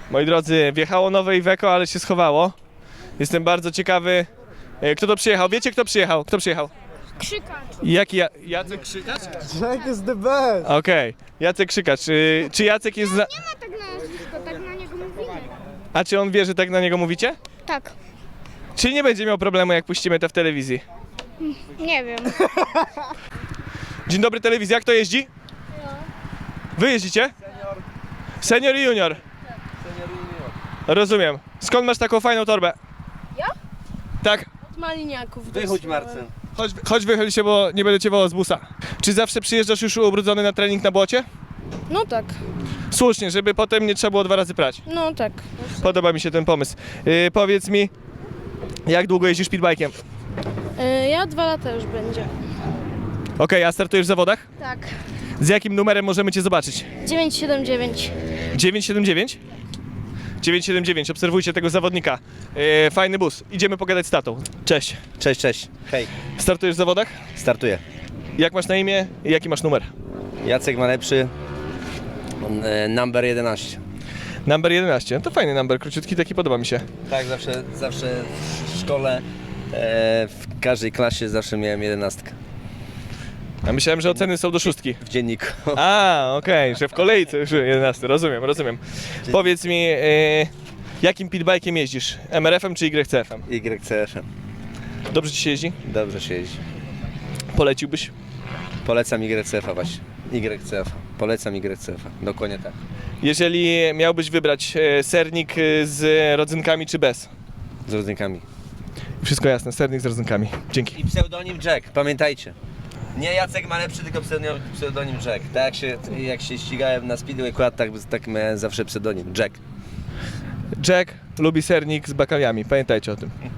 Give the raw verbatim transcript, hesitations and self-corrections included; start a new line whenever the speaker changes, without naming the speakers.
Moi drodzy, wjechało nowe Iveco, ale się schowało. Jestem bardzo ciekawy, e, kto to przyjechał. Wiecie, kto przyjechał? Kto przyjechał?
Krzykacz.
Jaki ja... Jacek Krzykacz?
Jack is the best!
Okej, Jacek Krzykacz. Czy, czy Jacek jest... Za...
Nie ma tak na nazwisko, tak na niego mówimy.
A czy on wie, że tak na niego mówicie?
Tak.
Czy nie będzie miał problemu, jak puścimy to w telewizji?
Nie wiem.
Dzień dobry, telewizja. Kto jeździ? Wy jeździcie? Senior i junior. Rozumiem. Skąd masz taką fajną torbę?
Ja?
Tak.
Od maliniaków.
Wychódź, Marcin.
Chodź, chodź wychyl się, bo nie będę cię wołał z busa. Czy zawsze przyjeżdżasz już ubrudzony na trening na błocie?
No tak,
Słusznie, żeby potem nie trzeba było dwa razy prać.
no tak.
Podoba mi się ten pomysł. Yy, powiedz mi, jak długo jeździsz speedbike'iem?
E, ja dwa lata już będzie.
Okej, a startujesz w zawodach?
Tak.
Z jakim numerem możemy cię zobaczyć?
dziewięć siedem dziewięć.
dziewięć siedem dziewięć? dziewięć siedem dziewięć, obserwujcie tego zawodnika. Yy, fajny bus. Idziemy pogadać z tatą. Cześć.
Cześć, cześć. Hej.
Startujesz w zawodach?
Startuję.
Jak masz na imię i jaki masz numer?
Jacek ma lepszy. e, Number jedenaście.
Number jedenaście. No to fajny number, króciutki, taki podoba mi się.
Tak, zawsze, zawsze w szkole, e, w każdej klasie zawsze miałem jedenastkę.
A myślałem, że oceny są do szóstki.
W dzienniku.
A, okej, że w kolejce już jedenaście, rozumiem, rozumiem. Powiedz mi, e, jakim pitbike'iem jeździsz? M R F-em czy Y C F-em?
Y C F.
Dobrze ci się jeździ?
Dobrze się jeździ.
Poleciłbyś?
Polecam Y C F właśnie. Y C F. Polecam Y C F. Dokładnie tak.
Jeżeli miałbyś wybrać e, sernik e, z rodzynkami czy bez?
Z rodzynkami.
Wszystko jasne, sernik z rodzynkami. Dzięki.
I pseudonim Jack, pamiętajcie. Nie Jacek ma lepszy, tylko pseudonim, pseudonim Jack. Tak jak się, jak się ścigałem na Speedway Quad, tak, tak miałem zawsze pseudonim Jack.
Jack lubi sernik z bakaliami, pamiętajcie o tym.